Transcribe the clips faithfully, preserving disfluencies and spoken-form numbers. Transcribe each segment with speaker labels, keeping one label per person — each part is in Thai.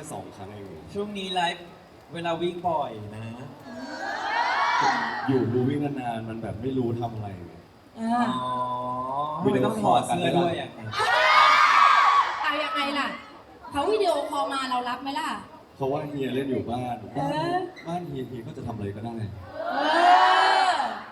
Speaker 1: สองครั้งเอง
Speaker 2: ช่วงนี้ไลฟ์เวลาวิ่งบ่อยนะ
Speaker 1: อยู่ดูวิ่งนานๆมันแบบไม่รู้ทำอะไร
Speaker 3: อ่า
Speaker 2: อ๋อทำไมต้องถอดเสื้อด้วยอ่ะ
Speaker 3: เอายังไงล่ะเขาวิดีโอคอลมาเรารับไหมล่ะ
Speaker 1: เพราะว่าเฮียเล่นอยู่บ้าน
Speaker 3: เออ
Speaker 1: บ้านเฮียเฮียก็จะทำอะไรก็ได้
Speaker 3: เออ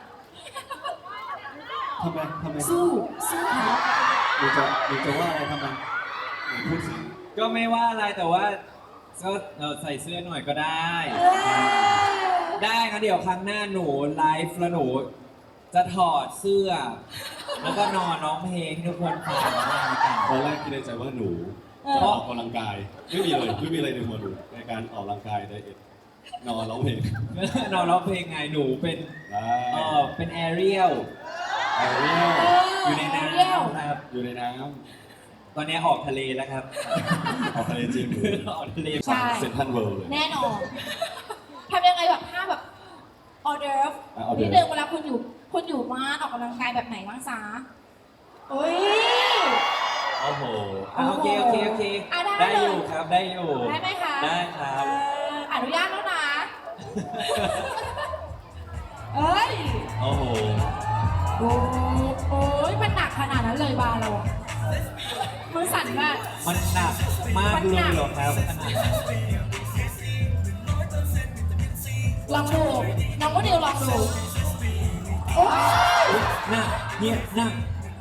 Speaker 1: ทำไมทำไม
Speaker 3: สู้สู้เขา
Speaker 1: หนูจะหนูจะว่าอะไรทำไมไหนพูดสิ
Speaker 2: ก็ไม่ว่าอะไรแต่ว่าก็เราใส่เสื้อหน่อยก็ได้
Speaker 3: เออ
Speaker 2: ได้งั้นเดี๋ยวครั้งหน้าหนูไลฟ์แล้วหนูจะถอดเสื้อ แล้วก็นอนร้องเพลงให้ทุกคนฟังกัน
Speaker 1: ตอนแรกคิดในใจว่าหนูจะออกกำลังกาย ไม่มีเลยไม่มีอะไรในหัวหนูในการออกกำลังกายไดเอทนอนร้องเพลง
Speaker 2: นอนร้องเพลงไงหนูเป็น
Speaker 1: ได้
Speaker 2: เออเป็นแอเรียล
Speaker 1: แอเรียล
Speaker 2: อยู่ในน้
Speaker 3: เรียว
Speaker 2: ำครับ
Speaker 1: อยู่ในน้
Speaker 2: ตอนนี้ออกทะเลแล้วครับ
Speaker 1: ำออกทะเลจริงหรือ
Speaker 2: ออกทะเล
Speaker 3: ใช่
Speaker 1: เซ็นทรัลเวิลด์เลย
Speaker 3: แน่นอนทำยังไงแบบห้าแบบออเดิร์ฟ
Speaker 1: อ่ะ hors d'oeuvre
Speaker 3: นิดนึงเวลาคุณอยู่คุณอยู่บ้านออกกำลังกายแบบไหนบ้างซะโอ้ย
Speaker 2: โอ้โหอ่ะโอเคโอเคโอเค
Speaker 3: อ่ะได้
Speaker 2: ได้
Speaker 3: เลย
Speaker 2: อยู่ครับได้อยู่
Speaker 3: ได้ไหมคะ
Speaker 2: ได้ครับ
Speaker 3: เอ่ออนุญาตแล้วนะ เอ้ย
Speaker 2: โอ้โห
Speaker 3: โอ้โอ้ยมันหนักขนาดนั้นเลยบาร์เราอะมือสั่นมาก
Speaker 2: มันหนักมากเลยเหรอครับขนาดนั้น
Speaker 3: ลองดูน้องโมเดลลองดูโอ้ย
Speaker 2: หนักเนี่ยหนัก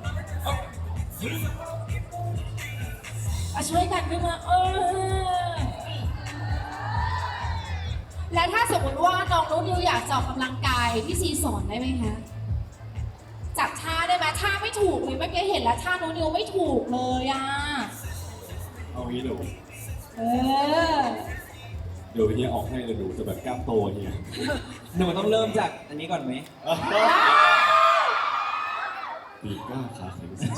Speaker 3: มาช่วยกันขึ้นมาเออและถ้าสมมติว่าน้องโน้ตดิวอยากจะออกกำลังกายพี่ซีสอนได้ไหมคะจับท่าได้ไหมท่าไม่ถูกเลยเมื่อกี้เห็นแล้วท่าโน้ตดิวไม่ถูกเลยอ่ะ
Speaker 1: เอางี้หนู
Speaker 3: เออ
Speaker 1: เดี๋ยวเฮียออกให้เลยหนูจะแบบกล้ามโตเฮีย
Speaker 2: หนูต้องเริ่มจากอันนี้ก่อนไหม
Speaker 1: ปีกกล้าขาแข็งสิ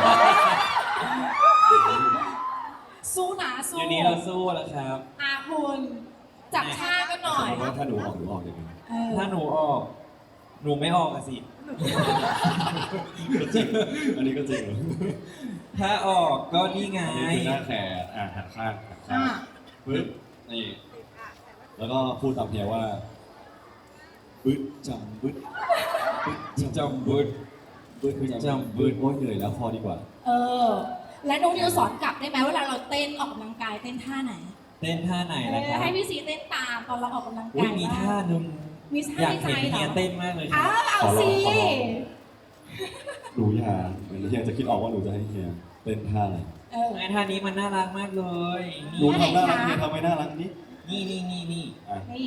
Speaker 3: สู้นะสู้
Speaker 2: เดี๋ยวนี้เราสู้แล้วครับ
Speaker 3: อาคุณจับท่ากันหน่อย
Speaker 1: สมมติว่าถ้าหนูออกหนูออกยังไง
Speaker 3: เออ
Speaker 2: ถ้าหนูออก หนูไม่ออกอะสิ
Speaker 1: ก็จริงอันนี้ก็จริงเหรอ
Speaker 2: ถ้าออกก็นี่ไง
Speaker 1: อันนี้คือหน้าแขนอ่ะหันข้างหันข้า
Speaker 3: อ่ะ
Speaker 1: งปึ๊บนี่แล้วก็พูดตามเฮียว่าบึ้ดจำบึ้ดบึ้ด
Speaker 2: จำบึด
Speaker 1: บึ้ดบึ้ด
Speaker 2: จำ
Speaker 1: จำบึ้ดโอ้ยเหนื่อยแล้วพอดีกว่า
Speaker 3: เออ และน้องดิวสอนกลับได้ไหมเวลาเราเต้นออกกำลังกายเต้นท่าไหน
Speaker 2: เต้นท่าไหน
Speaker 3: เอ
Speaker 2: นะค
Speaker 3: อ
Speaker 2: รับ
Speaker 3: ให้พี่ซีเต้นตามตอนเราออกกำลัง
Speaker 2: อุ้
Speaker 3: กาย ย
Speaker 2: มี
Speaker 3: บ้ง
Speaker 2: ท่าหนึง
Speaker 3: มีท่า
Speaker 2: อยาก
Speaker 3: ในใจ
Speaker 2: เห็น
Speaker 3: เหร
Speaker 2: เฮีย
Speaker 3: อ
Speaker 2: เต้นมากเลยค
Speaker 3: อ้า
Speaker 2: รับ
Speaker 3: วเอา
Speaker 1: ขอล
Speaker 3: สิ
Speaker 1: องขอลอง หนูอย่าเดี๋ยวเฮียจะคิดออกว่าหนูจะให้เฮียเต้นท่าอะไร
Speaker 3: เออ
Speaker 2: ไอ้ท่านี้มันน่ารักมากเลย
Speaker 1: หนูทำน่ารักเฮียทำไม่น่ารักนิด
Speaker 2: นี่นี่นี่นี่
Speaker 1: อ่ะ
Speaker 3: นี่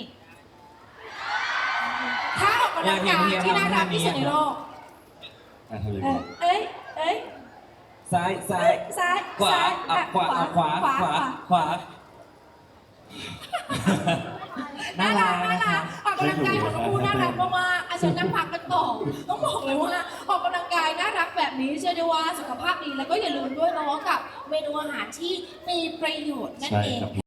Speaker 3: ท่าออกกำลังกายที่น่ารักที่สุดในโลก
Speaker 1: อ่ะทำยัง
Speaker 3: เอ
Speaker 1: ไง
Speaker 3: อเอ้ยเอ้ย
Speaker 2: ซ้ายซ้า
Speaker 3: เอ้
Speaker 2: ย
Speaker 3: ยซ้าย
Speaker 2: ขวา
Speaker 3: ซ้ย
Speaker 2: อ่ะขวาอ่ะขวาขวาขวา
Speaker 3: น่า
Speaker 2: น่า
Speaker 3: รั
Speaker 2: รั
Speaker 3: ก
Speaker 2: ก
Speaker 3: น่า
Speaker 2: นะค
Speaker 3: รั
Speaker 2: รั
Speaker 3: ก
Speaker 2: บ
Speaker 3: ออกกำลังกายของคู่น่ารักมากๆอาจารย์นั่งพักกันต่อต้องบอกเลยว่าออกกำลังกายน่ารักแบบนี้เชื่อได้ว่าสุขภาพดีแล้วก็อย่าลืมด้วยเนาะกับเมนูอาหารที่มีประโยชน์นั่น
Speaker 1: ใช่
Speaker 3: เอง
Speaker 1: ครับ